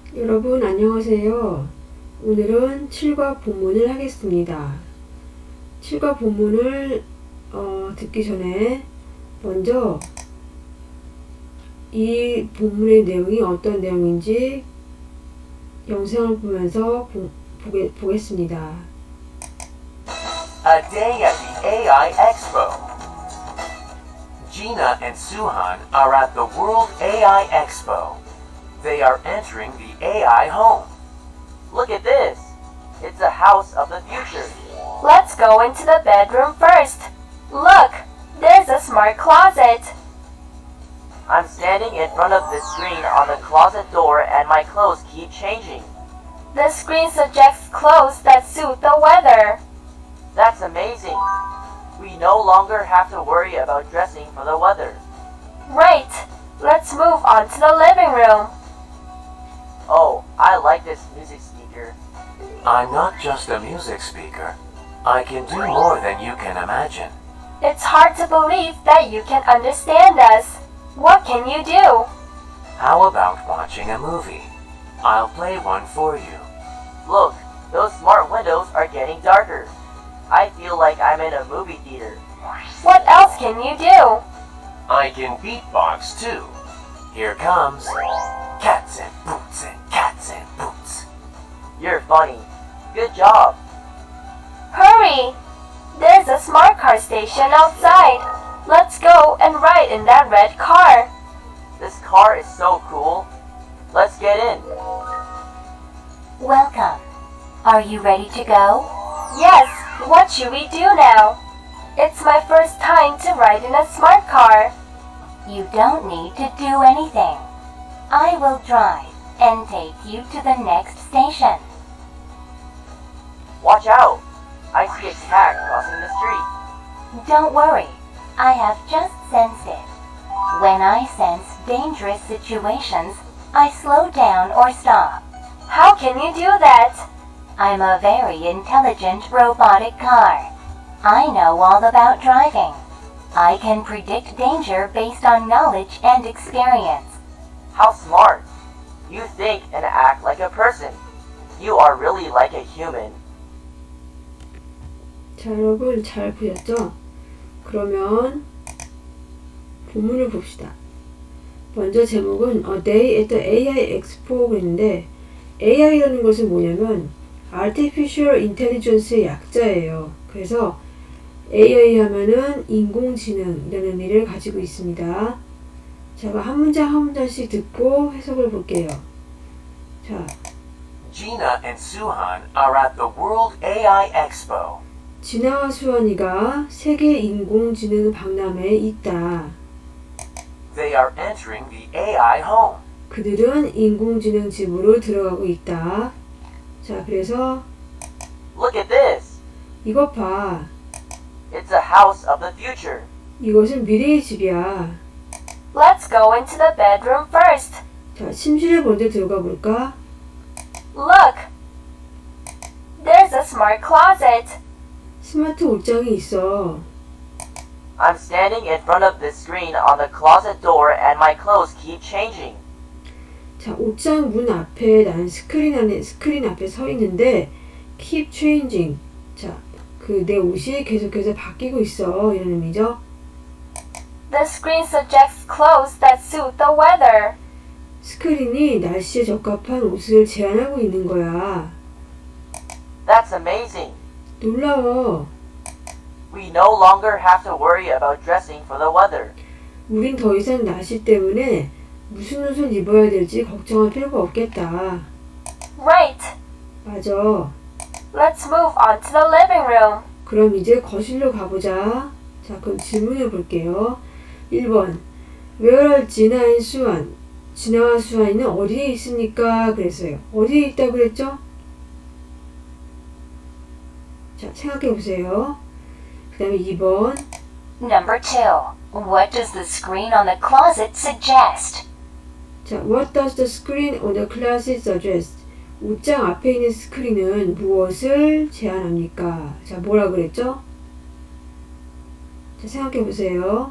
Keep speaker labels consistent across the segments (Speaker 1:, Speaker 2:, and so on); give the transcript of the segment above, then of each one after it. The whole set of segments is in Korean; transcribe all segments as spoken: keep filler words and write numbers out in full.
Speaker 1: 여러분 안녕하세요. 오늘은 칠과 본문을 하겠습니다. 칠과 본문을 어, 듣기 전에 먼저 이 본문의 내용이 어떤 내용인지 영상을 보면서 보, 보게, 보겠습니다.
Speaker 2: A day at the A I Expo. Gina and Suhan are at the World A I Expo. They are entering the A I home. Look at this. It's a house of the future.
Speaker 3: Let's go into the bedroom first. Look, there's a smart closet.
Speaker 2: I'm standing in front of the screen on the closet door and my clothes keep changing.
Speaker 3: The screen suggests clothes that suit the weather.
Speaker 2: That's amazing. We no longer have to worry about dressing for the weather.
Speaker 3: Right. Let's move on to the living room.
Speaker 2: Oh, I like this music speaker. I'm not just a music speaker. I can do more than you can imagine.
Speaker 3: It's hard to believe that you can understand us. What can you do?
Speaker 2: How about watching a movie? I'll play one for you. Look, those smart windows are getting darker. I feel like I'm in a movie theater.
Speaker 3: What else can you do?
Speaker 2: I can beatbox too. Here comes cats and boots and cats and boots. You're funny. Good job.
Speaker 3: Hurry! There's a smart car station outside. Let's go and ride in that red car.
Speaker 2: This car is so cool. Let's get in.
Speaker 4: Welcome. Are you ready to go?
Speaker 3: Yes, what should we do now? It's my first time to ride in a smart car.
Speaker 4: You don't need to do anything. I will drive and take you to the next station.
Speaker 2: Watch out. I see a cat crossing the street.
Speaker 4: Don't worry. I have just sensed it. When I sense dangerous situations, I slow down or stop.
Speaker 3: How can you do that?
Speaker 4: I'm a very intelligent robotic car. I know all about driving. I can predict danger based on knowledge and experience.
Speaker 2: How smart. You think and act like a person. You are really like a human.
Speaker 1: 자, 여러분 잘 보셨죠? 그러면 본문을 봅시다. 먼저 제목은 A Day at the A I Expo 그랬는데 에이아이라는 것은 뭐냐면 Artificial Intelligence의 약자예요. 그래서 에이아이 하면은 인공지능이라는 의미를 가지고 있습니다. 제가 한 문장 한 문장씩 듣고 해석을 볼게요. 자,
Speaker 2: Gina and Suhan are at the World A I Expo.
Speaker 1: 진아와 수환이가 세계 인공지능 박람회에 있다.
Speaker 2: They are entering the A I home.
Speaker 1: 그들은 인공지능 집으로 들어가고 있다. 자, 그래서
Speaker 2: Look at this.
Speaker 1: 이것 봐.
Speaker 2: It's a house of the future.
Speaker 1: 이것은 미래의 집이야.
Speaker 3: Let's go into the bedroom first.
Speaker 1: 자, 침실에 먼저 들어가 볼까?
Speaker 3: Look, there's a smart closet.
Speaker 1: 스마트 옷장이 있어.
Speaker 2: I'm standing in front of the screen on the closet door and my clothes keep changing.
Speaker 1: 자, 옷장 문 앞에 나는 스크린 안에 스크린 앞에 서 있는데 keep changing. 자, 그 내 옷이 계속해서 바뀌고 있어. 이런 의미죠.
Speaker 3: The screen suggests clothes that suit the weather.
Speaker 1: 스크린이 날씨에 적합한 옷을 제안하고 있는 거야.
Speaker 2: That's amazing.
Speaker 1: 놀라워.
Speaker 2: We no longer have to worry about dressing for the weather.
Speaker 1: 우린 더 이상 날씨 때문에 무슨 옷을 입어야 될지 걱정할 필요가 없겠다.
Speaker 3: Right.
Speaker 1: 맞아.
Speaker 3: Let's move on to the living room.
Speaker 1: 그럼 이제 거실로 가보자. 자, 그럼 질문해 볼게요. 일 번. Where are Gina and Suhan? 진아와 수환이는 어디에 있습니까? 그랬어요. 어디에 있다고 그랬죠? 자, 생각해 보세요. 그 다음에 이 번.
Speaker 4: Number two. What does the screen on the closet suggest?
Speaker 1: 자, What does the screen on the closet suggest? 옷장 앞에 있는 스크린은 무엇을 제안합니까? 자, 뭐라 그랬죠? 자, 생각해 보세요.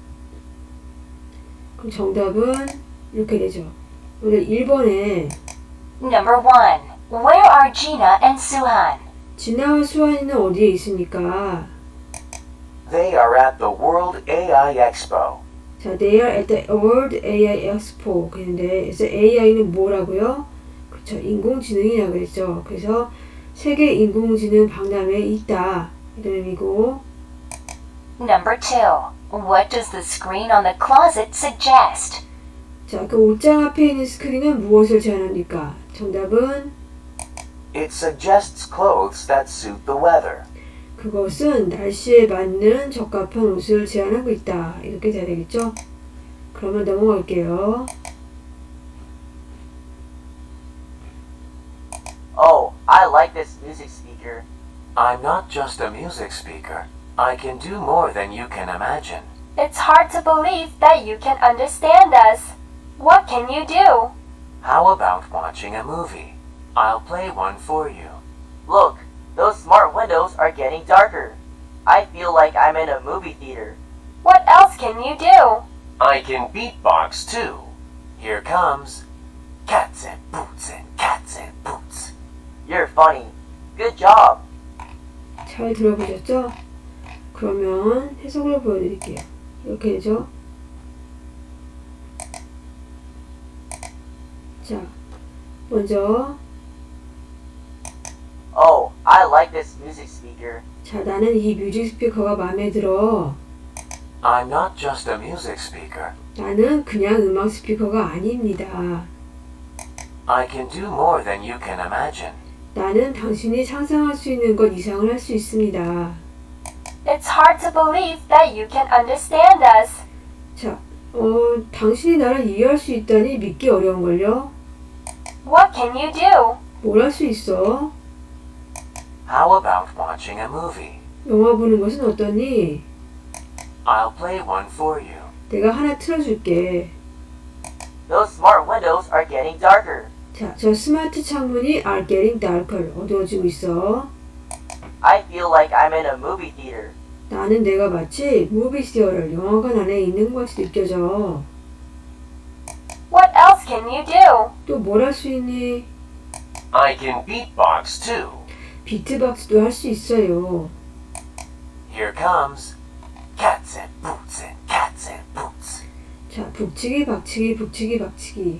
Speaker 1: 그럼 정답은 이렇게 되죠. 오늘 일 번에
Speaker 4: Number one. Where are Gina and Suhan?
Speaker 1: 진아와 수환이는 어디에 있습니까?
Speaker 2: They are at the World 에이아이 Expo.
Speaker 1: 자, they are at the World 에이아이 Expo. 그런데 그래서 에이아이는 뭐라고요? 그렇죠. 인공지능이라고 그랬죠. 그래서 세계 인공지능 박람회에 있다. 이런 의미고.
Speaker 4: Number two. What does the screen on the closet suggest?
Speaker 1: 자, 그 옷장 앞에 있는 스크린은 무엇을 제안합니까? 정답은
Speaker 2: It suggests clothes that suit the weather.
Speaker 1: 그것은 날씨에 맞는 적합한 옷을 제안하고 있다. 이렇게 돼야 되겠죠? 그러면 넘어갈게요.
Speaker 2: Oh, I like this music speaker. I'm not just a music speaker. I can do more than you can imagine.
Speaker 3: It's hard to believe that you can understand us. What can you do?
Speaker 2: How about watching a movie? I'll play one for you. Look, those smart windows are getting darker. I feel like I'm in a movie theater.
Speaker 3: What else can you do?
Speaker 2: I can beatbox too. Here comes cats and boots and cats and boots. You're funny. Good job.
Speaker 1: 잘 들어보셨죠? 그러면 해석을 보여드릴게요. 이렇게 되죠? 자, 먼저
Speaker 2: Oh, I like this music speaker.
Speaker 1: 자, 나는 이 뮤직 스피커가 마음에 들어.
Speaker 2: I'm not just a music speaker.
Speaker 1: 나는 그냥 음악 스피커가 아닙니다.
Speaker 2: I can do more than you can imagine.
Speaker 1: 나는 당신이 상상할 수 있는 것 이상을 할 수 있습니다.
Speaker 3: It's hard to believe that you can understand us.
Speaker 1: 자, 어, 당신이 나를 이해할 수 있다니 믿기 어려운걸요?
Speaker 3: What can you do?
Speaker 1: 뭘 할 수 있어?
Speaker 2: How about watching a movie?
Speaker 1: 영화 보는 것은 어떠니?
Speaker 2: I'll play one for you.
Speaker 1: 내가 하나 틀어줄게.
Speaker 2: Those smart windows are getting darker.
Speaker 1: 자, 저 스마트 창문이 are getting darker. 어두워지고 있어.
Speaker 2: I feel like I'm in a movie theater.
Speaker 1: 나는 내가 마치 무비 시어를 영화관 안에 있는 것 같이 느껴져.
Speaker 3: What else can you do?
Speaker 1: 또 뭘 할 수 있니?
Speaker 2: I can beatbox too.
Speaker 1: 비트박스도 할 수 있어요.
Speaker 2: Here comes cats and boots and cats and boots.
Speaker 1: 자, 북치기, 박치기, 북치기, 박치기.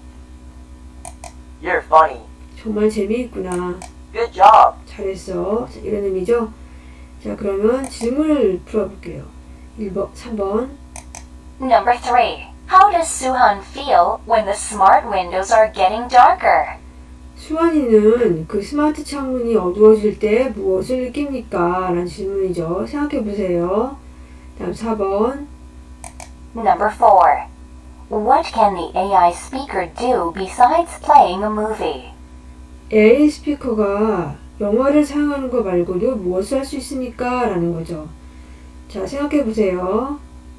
Speaker 2: You're funny.
Speaker 1: 정말 재미있구나.
Speaker 2: Good job.
Speaker 1: 잘했어. 자, 이런 의미죠? 자, 그러면 질문을 풀어볼게요. 일 번, 삼 번.
Speaker 4: Number three. How does Suhan feel when the smart windows are getting darker?
Speaker 1: 수환이는 그 스마트 창문이 어두워질 때 무엇을 느낍니까? 라는 질문이죠. 생각해보세요. 다음 사 번.
Speaker 4: Number four. What can the 에이아이 speaker do besides playing a movie?
Speaker 1: 에이아이 스피커가 영화를 사용하는 거 말고도 무엇을 할 수 있습니까? 라는 거죠. 자, 생각해보세요.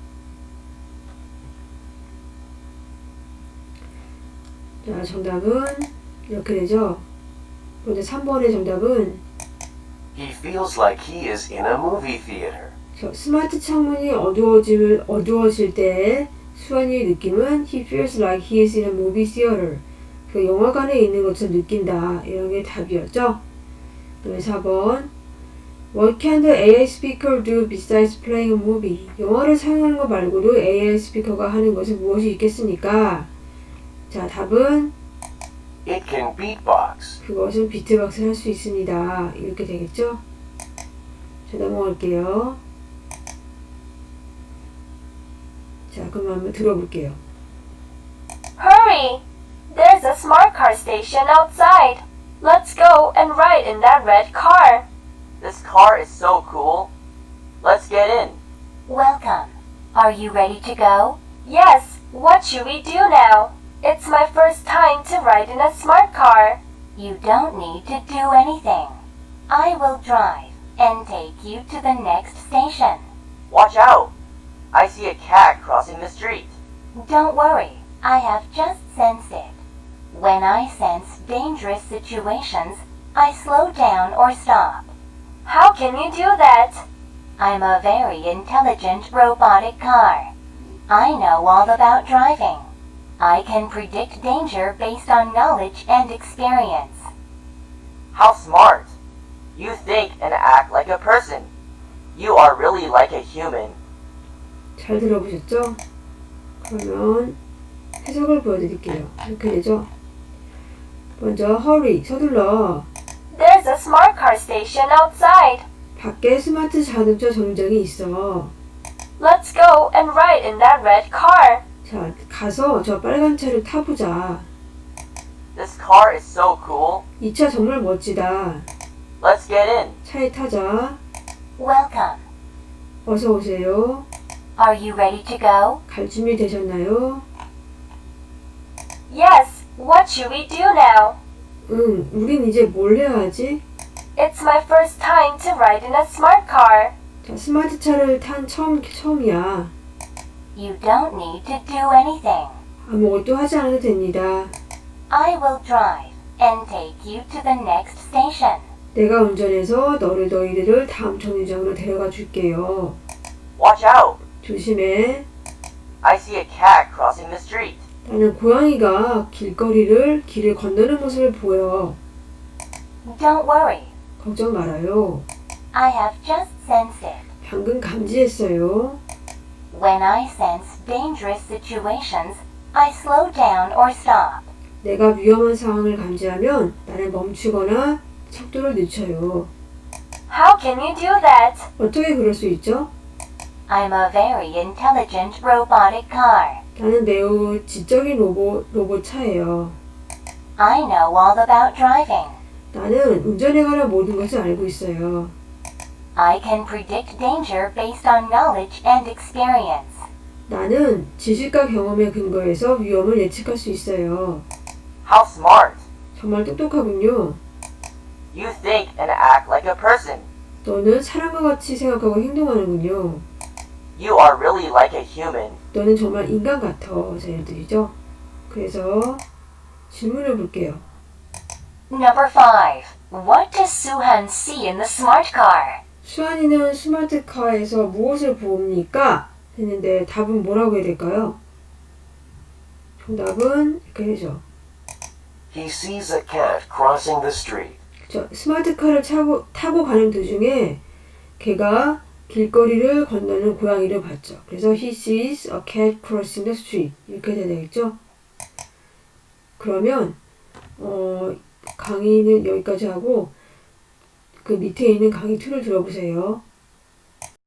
Speaker 1: 자, 정답은 이렇게 되죠. 먼저 삼 번의 정답은
Speaker 2: He feels like he is in a movie theater.
Speaker 1: 저 스마트 창문이 어두워질, 어두워질 때 수환이의 느낌은 He feels like he is in a movie theater. 그 영화관에 있는 것처럼 느낀다. 이런 게 답이었죠. 그다음에 사 번. What can the 에이아이 speaker do besides playing a movie? 영화를 사용하는 것 말고도 에이아이 스피커가 하는 것은 무엇이 있겠습니까? 자, 답은
Speaker 2: It can beatbox.
Speaker 1: 그것은 비트박스를 할 수 있습니다. 이렇게 되겠죠? 자, 넘어갈게요. 자, 그럼 한번 들어볼게요.
Speaker 3: Hurry! There's a smart car station outside. Let's go and ride in that red car.
Speaker 2: This car is so cool. Let's get in.
Speaker 4: Welcome. Are you ready to go?
Speaker 3: Yes, what should we do now? It's my first time to ride in a smart car.
Speaker 4: You don't need to do anything. I will drive and take you to the next station.
Speaker 2: Watch out. I see a cat crossing the street.
Speaker 4: Don't worry, I have just sensed it. When I sense dangerous situations, I slow down or stop.
Speaker 3: How can you do that?
Speaker 4: I'm a very intelligent robotic car. I know all about driving. I can predict danger based on knowledge and experience.
Speaker 2: How smart! You think and act like a person. You are really like a human.
Speaker 1: 잘 들어보셨죠? 그러면 해석을 보여드릴게요. 이렇게 되죠? 먼저 hurry, 서둘러.
Speaker 3: There's a smart car station outside.
Speaker 1: 밖에 스마트 자동차 정류장이 있어.
Speaker 3: Let's go and ride in that red car.
Speaker 1: 자, 가서 저 빨간 차를 타보자.
Speaker 2: This car is so cool.
Speaker 1: 이 차 정말 멋지다.
Speaker 2: Let's get in.
Speaker 1: 차에 타자.
Speaker 4: Welcome.
Speaker 1: 어서 오세요.
Speaker 4: Are you ready to go?
Speaker 1: 갈 준비 되셨나요?
Speaker 3: Yes, what should we do now?
Speaker 1: 응, 우린 이제 뭘 해야 하지?
Speaker 3: It's my first time to ride in a smart car.
Speaker 1: 자, 스마트 차를 탄 처음, 처음이야.
Speaker 4: You don't need to do anything.
Speaker 1: 아무것도 하지 않아도 됩니다.
Speaker 4: I will drive and take you to the next station.
Speaker 1: 내가 운전해서 너를 너희들을 다음 정류장으로 데려가 줄게요.
Speaker 2: Watch out.
Speaker 1: 조심해.
Speaker 2: I see a cat crossing the street.
Speaker 1: 나는 고양이가 길거리를 길을 건너는 모습을 보여.
Speaker 4: Don't worry.
Speaker 1: 걱정 말아요.
Speaker 4: I have just sensed it.
Speaker 1: 방금 감지했어요.
Speaker 4: When I sense dangerous situations, I slow down or stop.
Speaker 1: 내가 위험한 상황을 감지하면 나는 멈추거나 속도를 늦춰요.
Speaker 3: How can you do that?
Speaker 1: 어떻게 그럴 수 있죠?
Speaker 4: I'm a very intelligent robotic car.
Speaker 1: 나는 매우 지적인 로봇, 로봇 차예요.
Speaker 4: I know all about driving.
Speaker 1: 나는 운전에 관한 모든 것을 알고 있어요.
Speaker 4: I can predict danger based on knowledge and experience.
Speaker 1: 나는 지식과 경험에 근거해서 위험을 예측할 수 있어요.
Speaker 2: How smart!
Speaker 1: 정말 똑똑하군요.
Speaker 2: You think and act like a person.
Speaker 1: 너는 사람과 같이 생각하고 행동하는군요.
Speaker 2: You are really like a human.
Speaker 1: 너는 정말 인간 같아. 자, 예를 들이죠. 그래서 질문을 볼게요.
Speaker 3: Number five. What does Suhan see in the smart car?
Speaker 1: 수환이는 스마트카에서 무엇을 봅니까? 했는데 답은 뭐라고 해야 될까요? 정답은 이렇게 되죠.
Speaker 5: He sees a cat crossing the street.
Speaker 1: 저 스마트카를 타고, 타고 가는 도중에 걔가 길거리를 건너는 고양이를 봤죠. 그래서 he sees a cat crossing the street 이렇게 돼야 되겠죠. 그러면 어, 강의는 여기까지 하고 그 밑에 있는 강의 이를 들어보세요.